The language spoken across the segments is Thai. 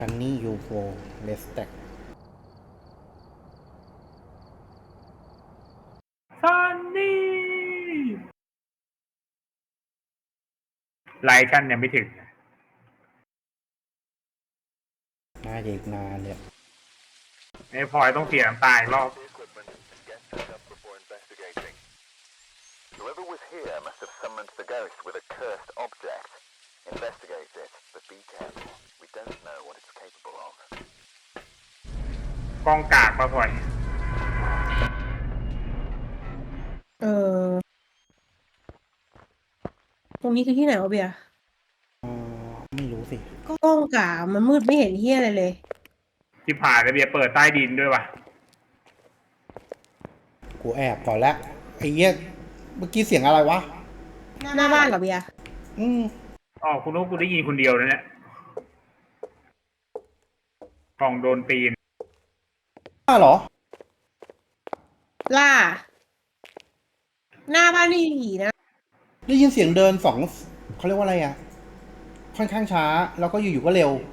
ซันนี่ยูโฟเลสแต็กซันนี่ไลท์ชันยังไม่ถึงน่าจะอีกนานเลยไอ้พลอยต้องเสียน้ำตาอีกรอบ Whoever was here must have summoned the ghost with a cursed object. Investigate it, but be careful. We don't know what it's capable of. กองกากปะพลอยเออตรงนี้คือที่ไหนวะเบียร์ไม่รู้สิกล้องกามันมืดไม่เห็นเฮียอะไรเลยที่ผ่านระเบียร์เปิดใต้ดินด้วยวะกูแอบก่อนแล้วไอ้เหี้ยเมื่อกี้เสียงอะไรวะหน้าบ้านเหรอเบียร์อืมอ๋อคุณนุ๊กกูได้ยินคนเดียวนะเนี่ยกล่องโดนตีนเหรอล่า หน้าบ้านนี่ผีนะได้ยินเสียงเดินสองเขาเรียกว่าอะไรอ่ะ ค่อนข้างช้า แล้วก็อยู่ๆก็เร็ว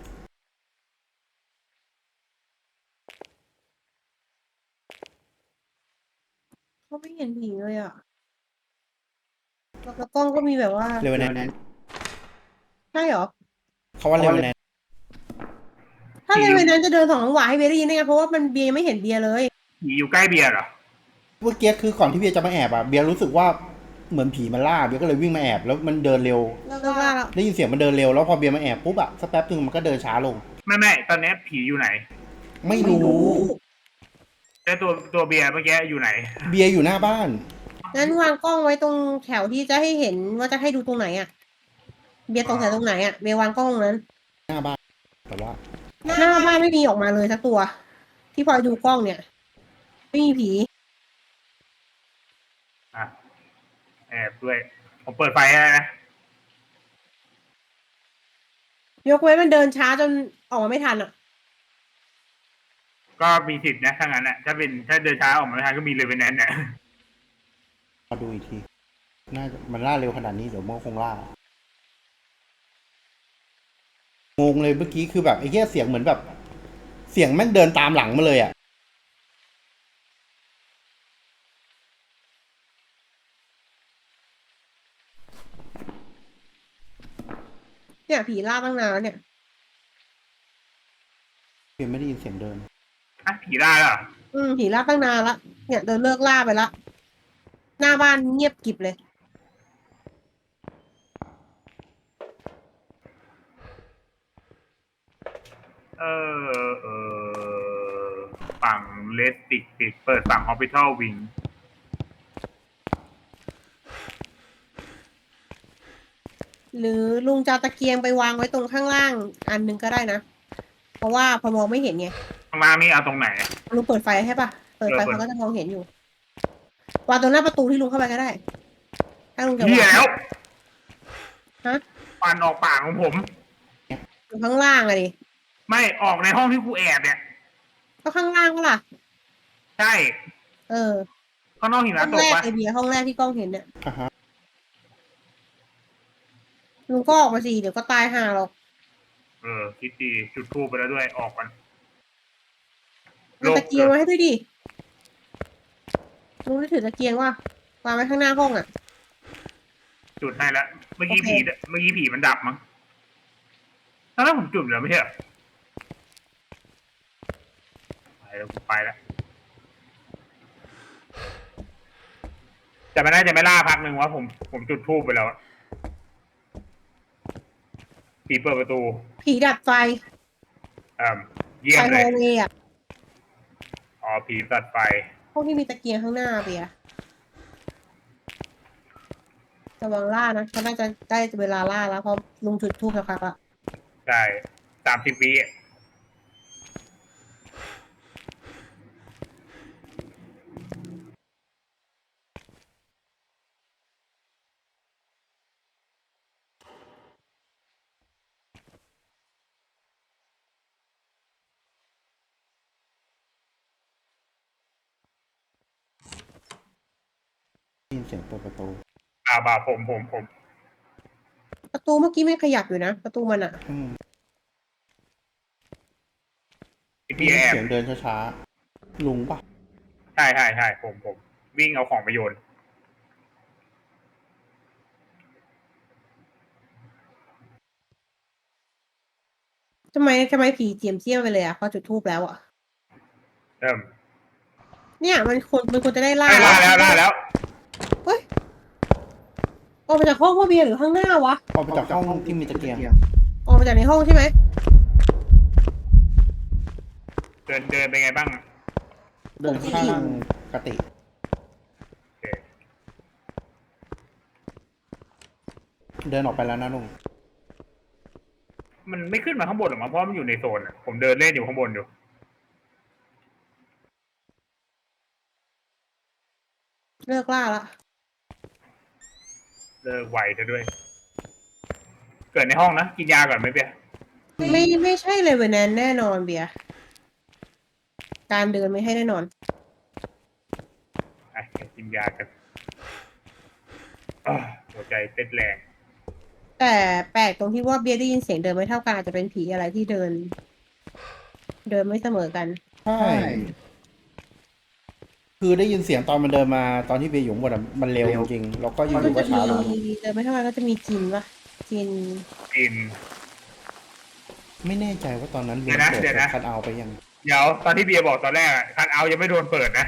เขาไม่เห็นผีเลยอ่ะแล้วกล้องก็มีแบบว่าเร็วแน่ใช่เหรอเขาว่าเร็วแน่ถ้าเลเวนนั้นจะเดินสองจังหวะให้เบียร์ได้ยินได้ไงเพราะว่ามันเบียร์ไม่เห็นเบียร์เลยผีอยู่ใกล้เบียร์เหรอเมื่อกี้คือก่อนที่เบียร์จะมาแอบอ่ะ เบียร์รู้สึกว่าเหมือนผีมันล่า เบียร์ก็เลยวิ่งมาแอบแล้วมันเดินเร็วเลิกล่าแล้วได้ยินเสียงมันเดินเร็วแล้วพอเบียร์มาแอบปุ๊บอ่ะสักแป๊บนึงมันก็เดินช้าลงไม่ตอนนี้ผีอยู่ไหนไม่รู้แต่ตัวเบียร์เมื่อกี้อยู่ไหนเบียร์อยู่หน้าบ้านงั้นวางกล้องไว้ตรงแถวที่จะให้เห็นว่าจะให้ดูตรงไหนอ่ะ เบียร์ตรงแถวตรงไหนอ่ะ เบียร์วางกล้องตรงนั้นหน้าบ้าน แต่ว่าหน้าบ้านไม่มีออกมาเลยสักตัว ที่พลอยดูกล้องเนี่ย ไม่มีผีอ่ะแอบด้วย ผมเปิดไฟให้นะยกเว้นมันเดินช้าจนออกมาไม่ทันอ่ะก็มีสิทธิ์นะถ้างั้นนะถ้าเดินช้าออกมาไม่ทันก็มีเลยเป็นแนนเนี่ยมาดูอีกที มันล่าเร็วขนาดนี้เดี๋ยวมันคงล่า งงเลยเมื่อกี้คือแบบไอ้เหี้ยเสียงเหมือนแบบ เสียงแม่งเดินตามหลังมาเลยอ่ะเนี่ยผีล่าตั้งนานแล้วเนี่ยเพียงไม่ได้ยินเสียงเดินอ่ะผีได้เหรอผีล่าตั้งนานละเนี่ยเดินเลิกล่าไปละ หน้าบ้านเงียบกริบเลยเอฝั่งเลสติกปิดเปิดฝั่งฮอสพิทอลวิงหรือลุงจะเอาตะเกียงไปวางไว้ตรงข้างล่าง อันหนึงก็ได้นะ เพราะว่าพอมองไม่เห็นไงข้างล่างนี่เอาตรงไหนลุงเปิดไฟให้ปะเปิดไฟเปิดเขาก็จะมองเห็นอยู่ วางตรงหน้าประตูที่ลุงเข้าไปก็ได้ ถ้าลุงจะเหี้ยวางแล้วฮะปันออกปากของผมอยู่ข้างล่างอะดิไม่ออกในห้องที่กูแอบเนี่ยก็ข้างล่างก็ล่ะใช่เออข้างนอกหิห้มะองตแรกกปะไอเบียร์ห้องแรกที่กล้องเห็นเนี่ยอ่ะฮะลุงก็ออกมาสิเดี๋ยวก็ตายห่าหรอกคิดดีจุดทูบไปแล้วด้วยออกกันเอาตะเกียงไว้ให้ด้วยดิลุงได้ถือตะเกียงว่าวางไว้ข้างหน้าห้องอ่ะจุดให้แล้วเมื่อกี้โอเคผีมันดับมั้งแล้วผมจุดแล้วไม่ใช่เหรอไปแล้วกูไปแล้วแต่ไม่น่าจะไม่ล่าพักหนึ่งว่าผมจุดทูบไปแล้วอะผีเปิดประตูผีดับไฟเยี่ยไฟมโฮเลยเวย์อ่ะอ๋อผีตัดไฟห้องที่มีตะเกียงข้างหน้าเบียร์ระวังล่านะเขาน่าจะได้เวลาล่าแล้วเพราะลุงจุดธูปสักพักละใช่30 วิอะได้ยินเสียงเปิดประตูบ่าผมประตูเมื่อกี้ไม่ขยับอยู่นะประตูมันอ่ะอืมเบียร์แอบเสียงเดินช้าๆลุงปะใช่ใช่ใช่ผมวิ่งเอาของไปโยนทำไมผีเจียมเจี้ยมไปเลยอ่ะพอจุดทูบแล้วอ่ะเริ่มเนี่ยมันควรจะได้ล่าได้แล้วเฮ้ยออกมาจากห้องพ่อเบียร์หรือข้างหน้าวะออกไปจากห้องที่มีตะเกียงออกมาจากในห้องใช่ไหมเดินเป็นไงบ้างเดินข้างปกติโอเคเดินออกไปแล้วนะลุงมันไม่ขึ้นมาข้างบนหรอกมั้งเพราะมันอยู่ในโซนอะผมเดินเล่นอยู่ข้างบนอยู่เลิกล่าละเลิกไวเธอด้วย เกิดในห้องนะกินยาก่อนไหมเบียร์ไม่ใช่เลยเวนแนนแน่นอนเบียร์การเดินไม่ให้แน่นอนไอ้กินยากันอ้าวหัวใจเต้นแรงแต่แปลกตรงที่ว่าเบียร์ได้ยินเสียงเดินไม่เท่ากันอาจจะเป็นผีอะไรที่เดินไม่เสมอกันใช่ คือได้ยินเสียงตอนมันเดินมาตอนที่เบียร์อยู่ข้างบนอะมันเร็วจริงๆแล้วก็อยู่มันๆก็จะช้าลงมีเดินไม่เท่ากันก็จะมีจินปะจินกินไม่แน่ใจว่าตอนนั้นเบียร์เดี๋ยวนะเปิดคัทเอาท์ไปยังเดี๋ยวตอนที่เบียร์บอกตอนแรกคันเอาท์ยังไม่โดนเปิดนะ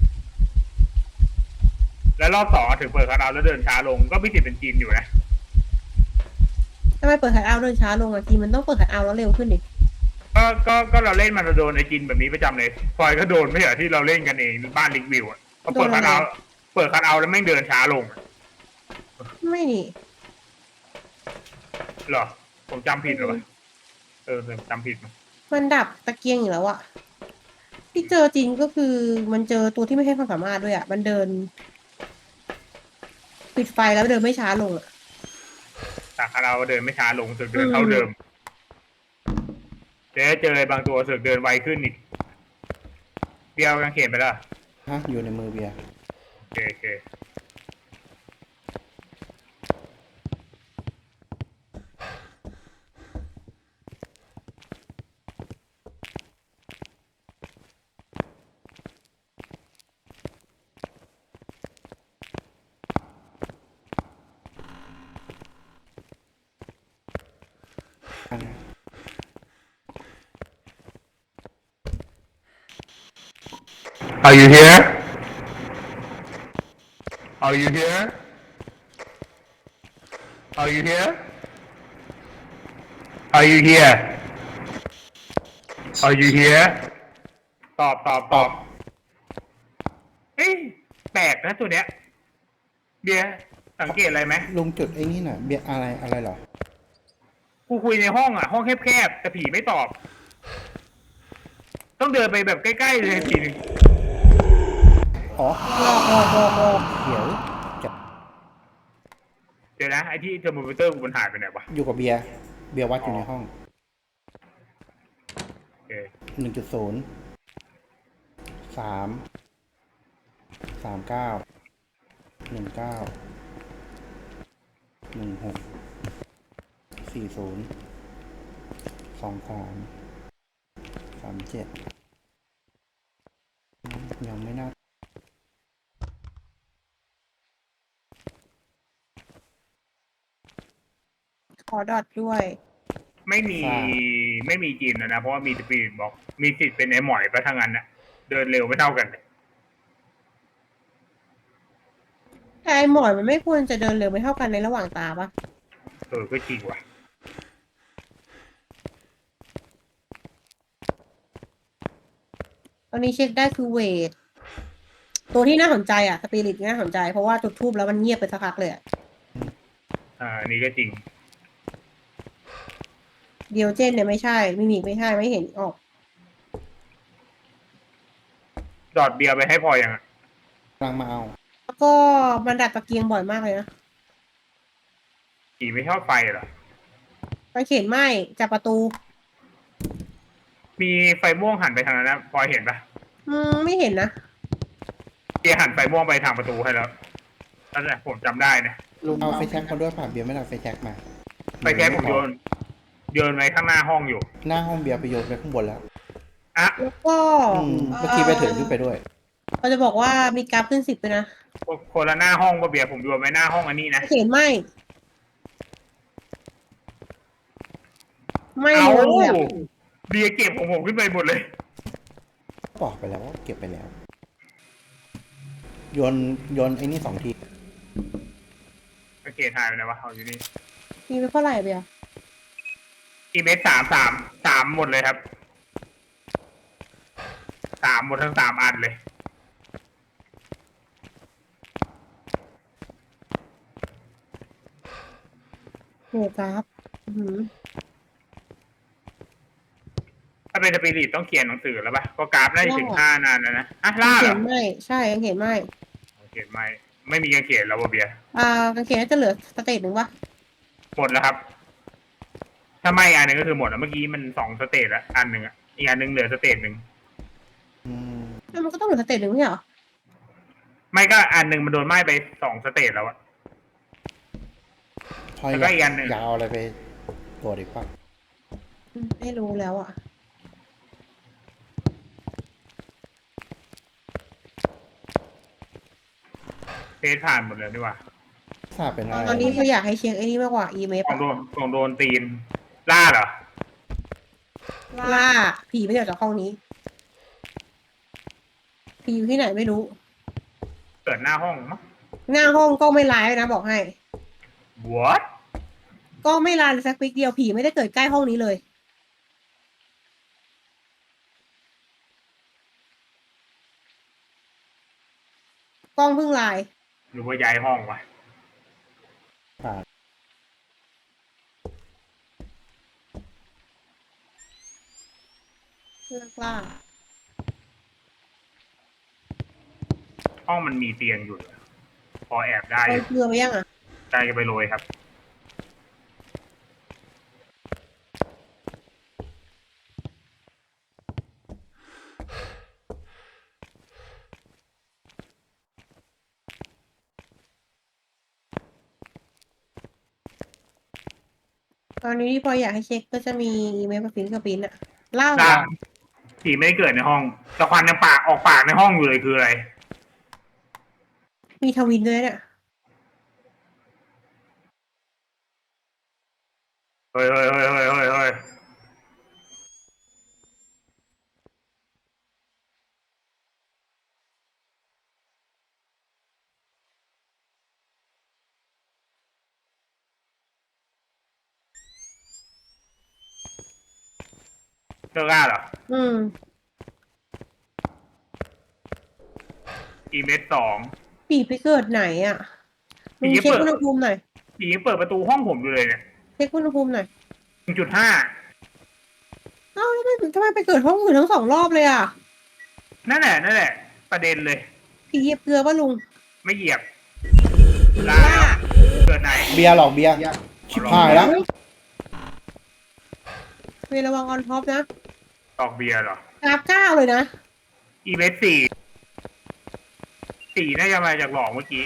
แล้วรอบสองถึงเปิดคันเอาท์แล้วเดินช้าลงก็มีสิทธิ์เป็นจีนอยู่นะทำไมเปิดขัดเอาท์เดินช้าลงอ่ะจินมันต้องเปิดขัดเอาท์แล้วเร็วขึ้นดิก็เราเล่นมันเราโดนไอจินแบบนี้ประจำเลยพลอยก็โดนไม่ใช่เหรอที่เราเล่นกันเองบ้านลิกวิวอ่ะพอเปิดคันเอาท์แล้วแม่งเดินช้าลงอะไม่นี่เหรอผมจำผิดเหรอวะจำผิดมั้ยมันดับตะเกียงอยู่แล้วอะที่เจอจริงก็คือมันเจอตัวที่ไม่ให้ความสามารถด้วยอะมันเดิน ปิดไฟแล้วเดินไม่ช้าลงอะจากคันเอาท์เดินไม่ช้าลงสึกเดินเท่าเดิมเจอบางตัวสึกเดินไวขึ้นอีกเดียวกางเขนไปแล้วฮะอยู่ในมือเบียร์โอเคอัน Are you here? Are you here? Are you here? Are you here? Are you here? ตอบเฮ้ยแปลกนะตัวเนี้ยเบียร์สังเกตอะไรไหมลุงจุดไอ้นี่น่ะเบียร์อะไรเหรอกูคุยในห้องอ่ะ ห้องแคบๆแต่ผีไม่ตอบ ต้องเดินไปแบบใกล้ๆเลยทีนึงอ๋อเดี๋ยวจะเดี๋ยวนะไอ้ที่เทอร์โมมิเตอร์กูมันหายไปไหนวะอยู่กับเบียร์วัดอยู่ในห้องโอเค 1.0 3 39 19 16 40 23 37ยังไม่น่าขอดอทด้วยไม่มีจีนนะเพราะว่ามีสปีดบอกมีสิทธิ์เป็นไอ้หมอยไปทางนั้นนะเดินเร็วไม่เท่ากันเลยแต่ไอหมอนมันไม่ควรจะเดินเร็วไม่เท่ากันในระหว่างตาปะก็จริงว่ะตอนนี้เช็คได้คือเวท ตัวที่น่าสนใจอะสปิริตน่าสนใจเพราะว่าจุดทูบแล้วมันเงียบไปสักพักเลยอะอันนี้ก็จริงเดียวเจนเนี่ยไม่ใช่มิมิกไม่ใช่ไม่เห็นออกดอดเบียร์ไปให้พอยังอะกำลังมาเอาแล้วก็มันดัดตะเกียงบ่อยมากเลยนะผีไม่ชอบไฟเหรอไปเข็นไหมจับประตูมีไฟม่วงหันไปทางนั้นนะพอเห็นปะไม่เห็นนะเบียร์หันไฟม่วงไปทางประตูให้แล้วนั่นแหละผมจำได้นะลุงเอาไฟแช็กมาด้วยผ่าเบียร์ไม่ได้เอาไฟแช็กมาไฟแค่ผมโยนไว้ข้างหน้าห้องอยู่หน้าห้องเบียร์ไปโยนไปข้างบนแล้วอ่ะแล้วก็เมื่อกี้ไปถึงขึ้นไปด้วยเราจะบอกว่ามีกราฟขึ้น10เลยนะคนละหน้าห้องป่ะเบียร์ผมดูไว้หน้าห้องอันนี้นะเขียนไม่ไม่เอาเลยอะเบียร์เก็บของผมขึ้นไปหมดเลยบอกไปแล้วว่าเก็บไปแล้ว โยนไอ้นี่2 ทีโอเคถ่ายไปไหนวะเอาอยู่นี่มีไปเท่าไหร่เบียร์อีเมสสามหมดเลยครับหมดทั้ง3 อันเลยโหกราฟอื้อหือถ้าเป็นสปิริตต้องเขียนหนังสือแล้วป่ะก็กราฟน่าจะถึง5 นานแล้วนะอ่ะล่าเหรเขียอนไม่ใช่ยังเขียนไม่เขียนไม่มีการเขียนแล้วว่ะเบียร์กางเขียนน่าจะเหลือสเตจหนึ่งวะหมดแล้วครับ ถ้าไม่อันหนึงก็คือหมดแล้วเมื่อกี้มัน2 สเตจแล้วอันหนึ่งอ่ะอีกอันหนึงเหลือสเตจหนึ่งอืมแล้วมันก็ต้องเหลือสเตจหนึ่งไม่ใช่เหรอไม่ก็อันหนึ่งมันโดนไหม้ไป2 สเตจแล้วอะพอแล้วอก็ยากอีกอันหนึ่งอยากเอาอะไรไปตรวจอีกป่ะไม่รู้แล้วอ่ะเฟซผ่านหมดเลยดีกว่าทราบเป็นอะไรตอนนี้เขาอยากให้เช็คไอ้นี่มากกว่าอีเมลของโดนตีนล่าเหรอล่าผีไม่ได้ออกจากห้องนี้ ผีอยู่ที่ไหนไม่รู้เกิดหน้าห้องมั้งหน้าห้องก็ไม่ร้ายนะบอกให้ what ก็ไม่ร้ายเลยสักปิ๊กเดียวผีไม่ได้เกิดใกล้ห้องนี้เลย กล้องเพิ่งลายหรือว่าย้ายห้องวะผ่านเลิกล่าห้องมันมีเตียงอยู่พอแอบได้เอาเกลือไปยังอ่ะใจจะไปโรยครับตอนนี้ที่พออยากให้เช็คก็จะมีอีเมลกับฟินกับปินอะเล่าล่าผีไม่ได้เกิดในห้องแต่ควันยังออกปากในห้องอยู่เลยคืออะไรมีทวินด้วยเนี่ยเฮ้ยเลิกล่าเหรออืมอีเมส2 ปีไปเกิดไหนอ่ะผีมึงจะเช็คเปิดอุณหภูมิหน่อยผียังเปิดประตูห้องผมอยู่เลยเนี่ยเช็คอุณหภูมิหน่อย 1.5 เอ้าแล้วทำไมไปเกิดห้องอื่นทั้ง2 รอบเลยอ่ะนั่นแหละ ประเด็นเลยผีเหยียบเกลือป่ะลุงไม่เหยียบล่าเกิดไหนเบียร์หรอกเบียร์ชิบหายแล้วเวลาระวังออนท็อปนะตอกเบียร์เหรอกราฟ9เลยนะอีเมส4น่าจะมาจากหลอกเมื่อกี้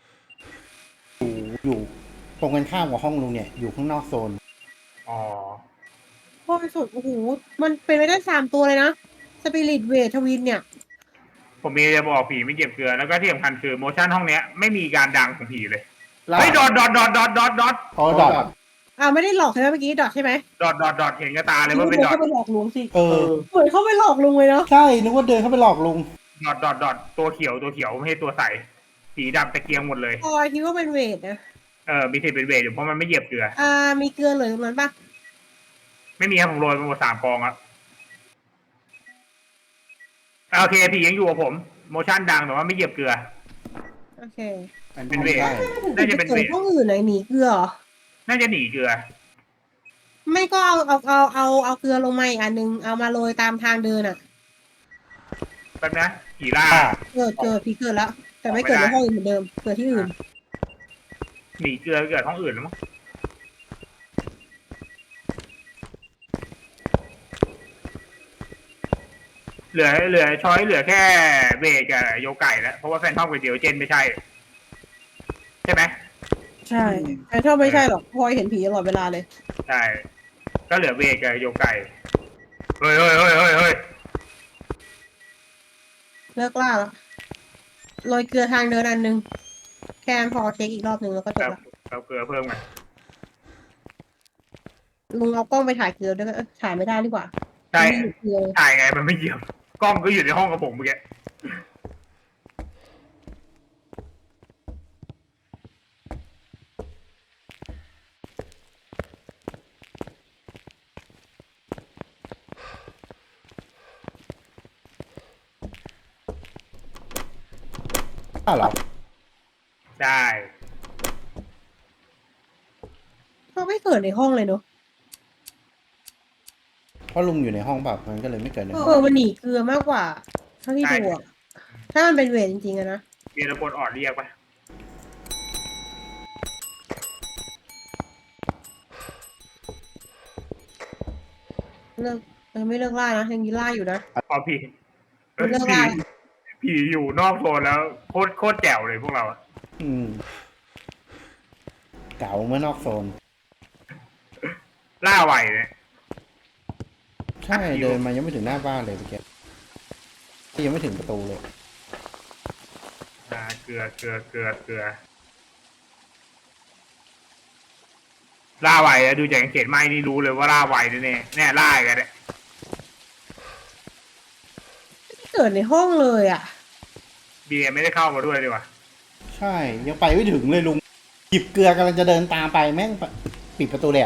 อยู่ตรงกันข้ามกับห้องลุงเนี่ย อยู่ข้างนอกโซนอ๋อพ่อไปสุดโอ้โห มันเป็นไปได้3 ตัวเลยนะ สปิริตเวททวินเนี่ยผมมีจะบอกผีไม่เหยียบเกลือ แล้วก็ที่สำคัญคือโมชั่นห้องเนี้ยไม่มีการดังของผีเลย เฮ้ยดอทพอดอทไม่ได้หลอกใช่ไหมเมื่อกี้ดอทใช่ไหมดอทเห็นกระตาเลยว่าเป็นดอทเข้าไปหลอกลุงสิเออเหมือนเข้าไปหลอกลุงเลยเนาะใช่ นึกว่าเดินเข้าไปหลอกลุงดอทตัวเขียวไม่ใช่ตัวใสสีดำตะเกียงหมดเลยพอยคิดว่าเป็นเวทนะมีสิทธิ์เป็นเวทอยู่เพราะมันไม่เหยียบเกลือมีเกลือเหลือตรงนั้นปะไม่มีครับผมโรยไปหมด3 กองครับโอเคผียังอยู่กับผมโมชั่นดังแต่ว่าไม่เหยียบเกลือโอเคเป็นเวทได้น่าจะเป็นเวทห้องอื่นไหนหนีเกลือเหรอน่าจะหนีเกลือไม่ก็เอาเกลือลงมาอีกอันนึง เอามาโรยตามทางเดินอ่ะแป๊บนะผีล่าเกิดพี่เกิดแล้ว แต่ไม่เกิดในห้องอื่นเหมือนเดิม เกิดที่อื่นหนีเกลือเกิดห้องอื่นแล้วมั้งเหลือช้อยเหลือแค่เวทกับโยไก่แล้วเพราะว่าแฟนทอมกับเดียวเจนไม่ใช่ ใช่ไหมใช่แต่ถ้าไม่ใช่หรอกพลอยเห็นผีตลอดเวลาเลยใช่ ก็เหลือเวทกับโยไก่เฮ้ยเลิกล่าแล้วโรยเกลือทางเดินอันนึงแค่นั้นพอเช็คอีกรอบนึงแล้วก็จคบรับละเอาเกลือเพิ่มกันลุงเอากล้องไปถ่ายเกลือด้วยกันถ่ายไม่ได้ดีกว่าใช่ไม่มีเกลือถ่ายไงมันไม่เหยียบกล้องก็อยู่ในห้องกับผมเมื่อกี้อ้าวเหรอได้เขาไม่เกิดในห้องเลยเนอะเพราะลุงอยู่ในห้องแบบมันก็เลยไม่เกิดในห้องมันหนีเกลือมากกว่าเท่าที่ดูอะถ้ามันเป็นเวรจริงๆอะนะมีตะโกนออดเรียกปะเลิกยังไม่เลิกล่านะยังมีล่าอยู่นะพอพี่เลิกผีล่าผีอยู่นอกโซนแล้วโคตรแจ๋วเลยพวกเราอะอืมเก๋าเมื่อนอกโซนล่าไวเนี่ยใช่เดินมายังไม่ถึงหน้าบ้านเลยเมื่อกี้ยังไม่ถึงประตูเลยเกลือล่าไวอะดูจากกางเขนไหมนี่รู้เลยว่าล่าไวแน่ๆเนี่ยล่ากันเนี่ยไม่เกิดในห้องเลยอะเบียร์ไม่ได้เข้ามาด้วยดีกว่าใช่ยังไปไม่ถึงเลยลุงหยิบเกลือกำลังจะเดินตามไปแม่งปิดประตูแล้ว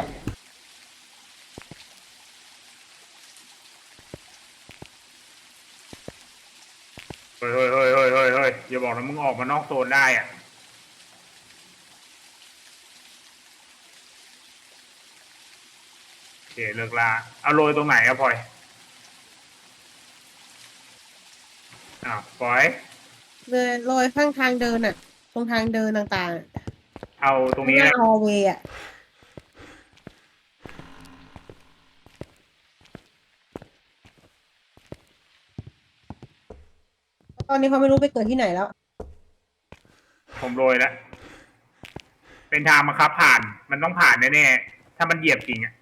เฮ้ยอย่าบอกนะมึงออกมานอกโซนได้อ่ะโอเคเลิกล่าเอาโรยตรงไหนอะพลอยอ้าวพลอยเลยโรยข้างทางเดินอะตรงทางเดินต่างๆอะเอาตรงนี้หน้านะฮอลเวย์อะตอนนี้เขาไม่รู้ไปเกิดที่ไหนแล้วผมโรยแล้วเป็นทางบังคับผ่านมันต้องผ่านแน่ๆถ้ามันเหยียบจริงอะ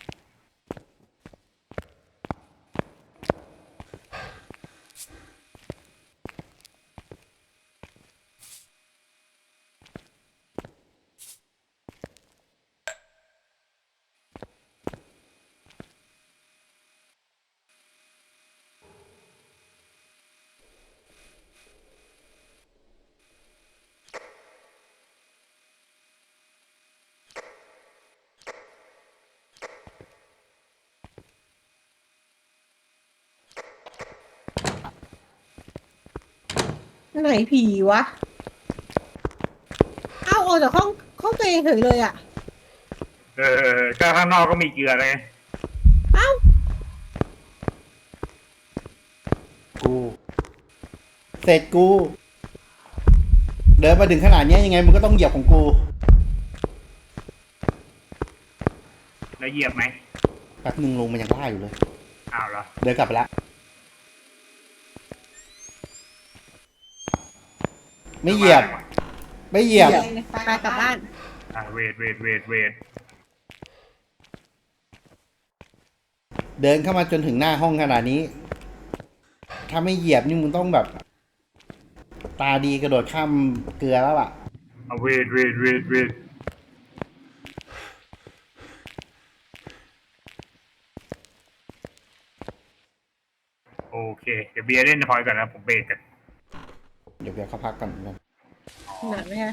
ไหนผีวะ เอ้าออกจากห้องตัวเองเฉยเลยอะก็ข้างนอกก็มีเกลือเลยเอ้ากูเสร็จกู เดินมาถึงขนาดเนี้ยยังไงมึงก็ต้องเหยียบของกูแล้วเหยียบไหมแป๊บนึงลงมันยังล่าอยู่เลยอ้าวเหรอเดินกลับไปละไม่เหยียบ ไม่เหยียบไปกลับบ้านเวทเดินเข้ามาจนถึงหน้าห้องขนาดนี้ ถ้าไม่เหยียบนี่มึงต้องแบบ ตาดีกระโดดข้ามเกลือแล้วล่ะเวทโอเคเดี๋ยวเบียร์เล่นพลอยก่อนนะผมเบรกกันเดี๋ยวเดี๋ยวเขาพักก่อนนะหนักไหมคะ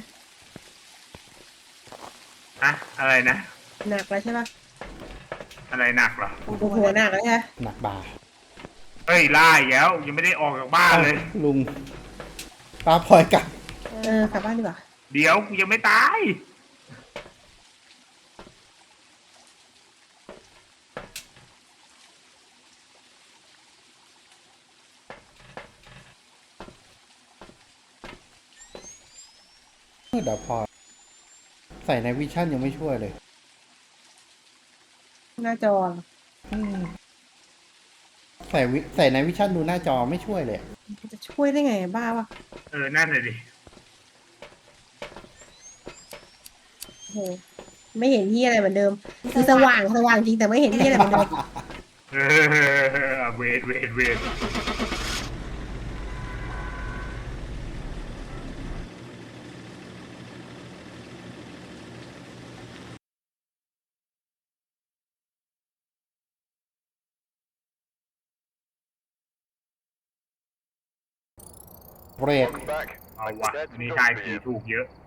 อะอะไรนะหนักแล้วใช่ปะอะไรหนักเหรอหัวหนักแล้วใช่ปะหนักบาเฮ้ยล่าอีกแล้วยังไม่ได้ออกจากบ้านเลยลุงป้าพลอยกลับกลับบ้านดีกว่าเดี๋ยวกูยังไม่ตายเดี๋ยวพอใส่ในวิชั่นยังไม่ช่วยเลยหน้าจอเหรออืมใส่ในวิชั่นดูหน้าจอไม่ช่วยเลยจะช่วยได้ไงบ้าวะนั่นเลยดิโอ้โหไม่เห็นที่อะไรเหมือนเดิม คือสว่างจริงแต่ไม่เห็นที่อะไรเหมือนเดิมเวทเปรต Welcome back. เอาวะอันนี้ทายผีถูกเยอะ